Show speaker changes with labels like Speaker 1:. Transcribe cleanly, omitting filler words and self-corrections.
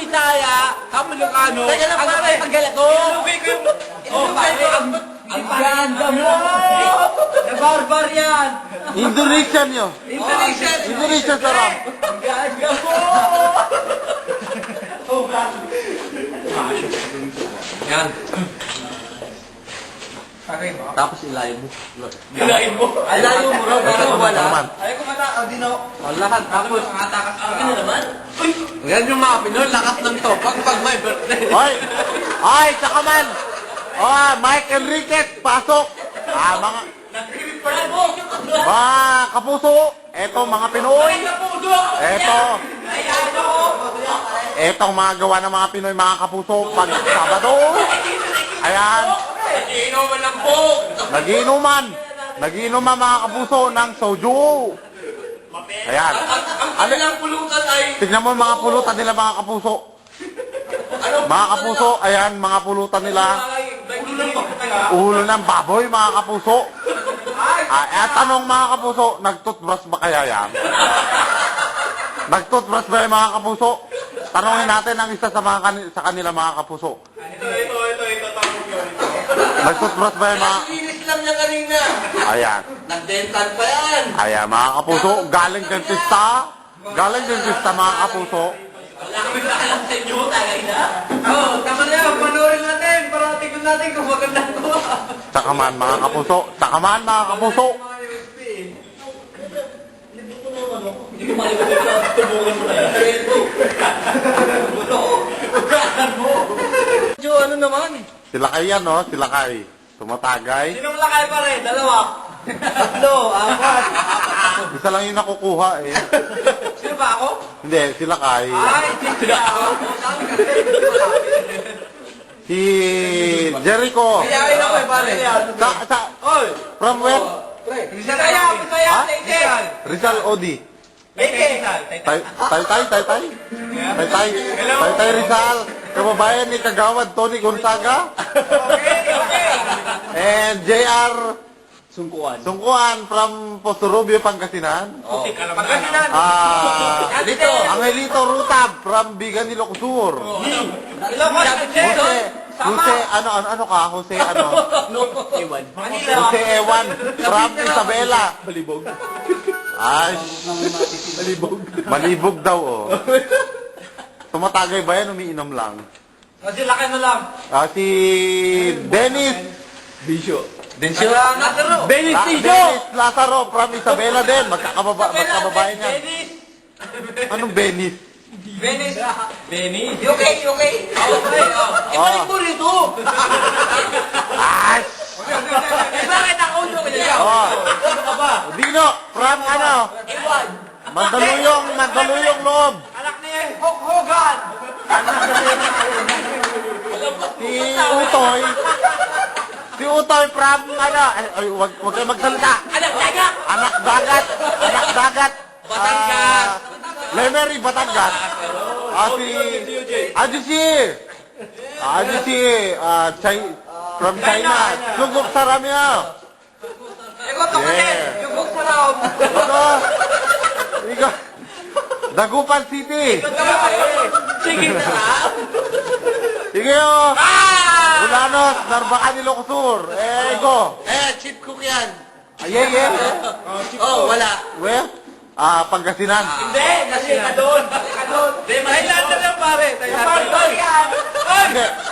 Speaker 1: Bisaya, kami Ilocano.
Speaker 2: Teka lang pare, ang galat ko.
Speaker 1: Ilugay ko yung... Oh, pare, ang ganda mo!
Speaker 2: Nabarbar yan.
Speaker 3: Indonesian yun. Indonesian sarap.
Speaker 2: Ang ganda mo.
Speaker 1: Yan.
Speaker 3: Tapos ilayo mo.
Speaker 1: Gilain mo.
Speaker 2: Alayo mo raw, pero wala.
Speaker 3: Naman.
Speaker 1: Ayaw ko mata, di na.
Speaker 3: Lahat. Tapos.
Speaker 1: Nakatakas ka.
Speaker 2: Ano naman?
Speaker 1: Yan yung mga Pinoy, lakas ng to. Pag may birthday.
Speaker 3: Hoy! Hoy! Tsaka man! Oh, Mike Enriquez, pasok! Mga kapuso, eto mga Pinoy. Etong mga gawa ng mga Pinoy, mga kapuso, pag Sabado. Ayan.
Speaker 1: Iinuman lang po.
Speaker 3: Nagiinuman mga kapuso ng soju. Ayan.
Speaker 1: Ano lang pulutan ay...
Speaker 3: Tignan mo mga pulutan nila mga kapuso. Mga kapuso, ayan mga pulutan nila. Ulo ng baboy mga kapuso. Tanong mga kapuso, nagtoothbrush ba kaya yan? Nagtoothbrush ba yung mga kapuso? Tanongin natin ang isa sa sa kanila mga kapuso. Nagtoothbrush ba yung mga...
Speaker 2: Linis lang niya kanina.
Speaker 3: Ayan.
Speaker 2: Nag-dental pa yan.
Speaker 3: Ayan mga kapuso, galing dentista. Galing dentista mga kapuso.
Speaker 2: Wala kami alam sa inyo, tagay na. Oo, tama na yan. Panoorin natin para tignan natin kung maganda ko.
Speaker 3: Tsakaman mga kapuso. Tsakaman mga kapuso.
Speaker 2: Hindi ko malimutan. Tubungan mo na yan. Ugahan mo. Jo, ano naman?
Speaker 3: Sila kay yan, no? Sila kay. Tumatagay.
Speaker 2: Sinong lakay pa rin? Dalawa. Tatlo, apat.
Speaker 3: Isa lang yung nakukuha eh.
Speaker 2: Sino ba ako?
Speaker 3: Hindi, sila kay.
Speaker 2: Ay, hindi ako. Sabi ka rin.
Speaker 3: Si Jericho.
Speaker 2: Kayain ako eh, pare. Oy!
Speaker 3: From where?
Speaker 2: Bisaya, Bisaya,
Speaker 3: Ha?
Speaker 2: Taytay.
Speaker 3: Rizal Odi.
Speaker 2: Taytay.
Speaker 3: Tay. Tay Rizal. Kababayan ni Kagawad Tony Gonzaga.
Speaker 2: Okay.
Speaker 3: And JR
Speaker 1: Sungkuan.
Speaker 3: from Posturubio, Pangasinan.
Speaker 2: Pagkasinan.
Speaker 3: Dito, Angelito Rutab from Bigan Ilocosur.
Speaker 2: Ilocos,
Speaker 3: Jose, ano ka? Jose, ano?
Speaker 2: Manila.
Speaker 3: Jose Ewan from Isabela.
Speaker 1: Balibog.
Speaker 3: Ay, malibog daw, oh. Tumatagay ba yan? Umiinom lang.
Speaker 2: Kasi laki na lang.
Speaker 3: Si Dennis.
Speaker 1: Bisyo.
Speaker 2: Benis
Speaker 3: Dennis Lazaro from Isabela din. Magkakababayan yan.
Speaker 2: Benis.
Speaker 3: Anong Dennis?
Speaker 2: Benis.
Speaker 1: Benny.
Speaker 2: Okay. Okay. Ibalik mo rito.
Speaker 3: Ay!
Speaker 2: Bakit ako yung kanya?
Speaker 3: Oh. Dino, from ano?
Speaker 2: Iwan.
Speaker 3: Mandaluyong loob.
Speaker 2: Anak niya yung Hulk Hogan.
Speaker 3: Si Utoy from ano? Ay, wag kayo magsalita.
Speaker 2: Anak niya.
Speaker 3: Anak dagat.
Speaker 2: Batangas.
Speaker 3: Lemery, Batangas. From China. Sugok sa ramya.
Speaker 2: Ikaw to kasi. Yung Hulk sa loob.
Speaker 3: Ikaw. Dagupan City.
Speaker 2: Sige na.
Speaker 3: Sige o. Ulanos, Narbacan, Ilocosur. Go.
Speaker 2: Chip cook yan.
Speaker 3: Yeah.
Speaker 2: Wala.
Speaker 3: Where? Pangasinan.
Speaker 2: Hindi, kasi ka doon. Hindi, Thailand na lang pare. Thailand.